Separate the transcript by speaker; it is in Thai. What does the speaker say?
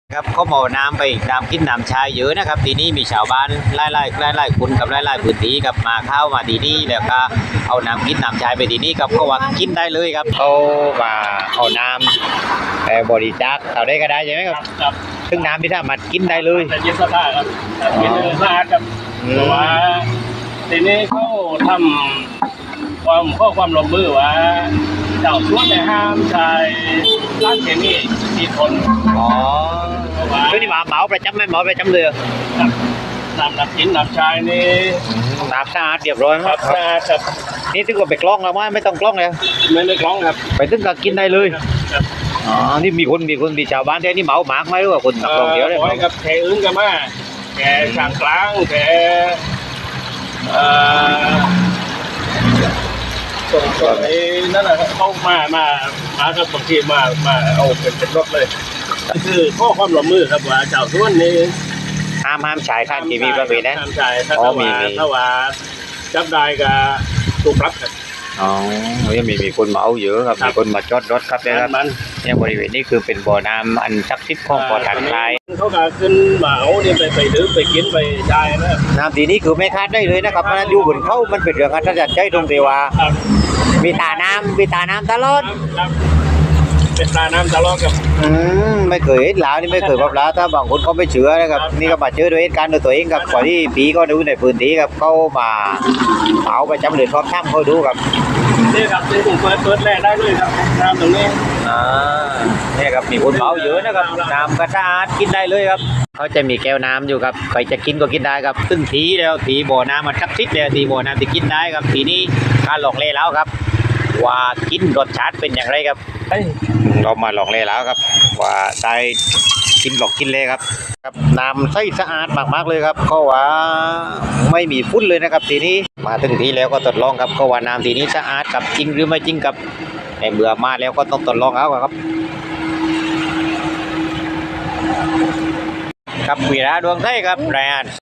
Speaker 1: ครับเขาหมอน้ำไปน้ำกินน้ำชายเยอะนะครับทีนี้มีชาวบ้านไล่คนกับไล่พื้นที่กับมาเข้ามาทีนี้แล้วก็เอาน้ำกินน้ำชายไปทีนี้ครับก็ว่ากินได้เลยครับเขามาเอาน้ำบริจาคเอาได้ก็ได้ใช่ไหมครับ
Speaker 2: ครับ
Speaker 1: ซึ่งน้ำที่ถ้ามากินได้เลย
Speaker 2: แต่เย็นสะอาดครับเย็นสะอาดครับแต่ว่าทีนี้เขาทำความร่วมมือว่าเจ้าสวนเนี่ยห้ามใช้ร้านเคมีที่ทน
Speaker 1: อ๋อ
Speaker 2: เพราะว่า
Speaker 1: คือนี่หมาเหมาประจำไหมเหมาประจำเลยเหรอ
Speaker 2: น้ำกินน้ำชายนี่
Speaker 1: น้ำสะอาดเรียบร้อย
Speaker 2: ค
Speaker 1: ค
Speaker 2: รั
Speaker 1: รั
Speaker 2: บบ สะอาดครับ
Speaker 1: นี่ถึงกับไปกล้องแล้วไม่ต้องกล้องเลย
Speaker 2: ไม่ได้คล้องครับ
Speaker 1: ไปถึงกับกินได้เลย
Speaker 2: ครับ
Speaker 1: อ๋อนี่มีคนมีชาวบ้านที่นี่เหมาหมากไหมหรือว่าคนนักท่องเที่ยวเลย
Speaker 2: ขอให้กับแขกอื่นกันมาแขกช่างกลางแขกส่วนไอ้นั่นแหละครับเขามากับบางทีมาเอาเป็นรถเลยคือข้อความร่วมมือครับว่าเจ้าส่วนนี้
Speaker 1: ห้ามฉายข้างทีวีประเภทนั้น
Speaker 2: ห้ามใช่ถ้า
Speaker 1: อ๋อ
Speaker 2: ว่า
Speaker 1: มี
Speaker 2: ถ้าว่าจับได้ก็ถูกปรับครับ
Speaker 1: อ๋อยังมีคนเหมาเยอะครับ
Speaker 2: ครับ
Speaker 1: มีคนมาจอดรถครับเนี่ยครับ
Speaker 2: มัน
Speaker 1: เนี่ยบริเวณนี้คือเป็นบ่อน้ำอันศักดิ์สิทธิ์ของบ่อทางคลาย
Speaker 2: เขาก็ขึ้นเหมาเนี่ยไปดื่มไปกินไปได้นะครับ
Speaker 1: น้ำทีนี้คือไม่คาดได้เลยนะครับเพราะฉะนั้นอยู่บนเขามันเป็นเรื่องอัศจรรย์ใจตรงที่ว่า
Speaker 2: ครับ
Speaker 1: มีตาน้ำตลอด
Speaker 2: ครับเป็นตาน้ำตลอดกับ
Speaker 1: ไม่เคยเห็นหลาวนี่ไม่เคยพบหลาวถ้าบางคนเขาไม่เชื่อนะครับนี่ก็มาเจอด้วยเหตุการณ์ด้วยตัวเองครับก่อนที่ผีก็ดูในพื้นที่ครับเขามาเอาไปจำเลยทอดข้ามเขาดูครับ
Speaker 2: นี่ครับที่ผมเปิดแรกได้เลยครับน้ำตรงนี้
Speaker 1: เนี่ยครับมีคนเหมาเยอะนะครับน้ำก็สะอาดกินได้เลยครับเขาจะมีแก้วน้ำอยู่ครับใครจะกินก็กินได้ครับซึ่งทีแล้วทีบ่อน้ำมันศักดิ์สิทธิ์แล้วทีบ่อน้ำที่กินได้ครับทีนี้การลองเล่แล้วครับ ว่ากินรสชาติเป็นอย่างไรครับเรามาลองเล่แล้วครับ ว่าได้กินหลอกกินเลยครับน้ำใสสะอาดมากๆเลยครับเขาว่าไม่มีฝุ่นเลยนะครับทีนี้มาถึงทีแล้วก็ทดลองครับเขาว่าน้ำทีนี้สะอาดกับจริงหรือไม่จริงครับในเมื่อมาแล้วก็ต้องทดลองเอาครับครับวีระดวงไทยครับรายงาน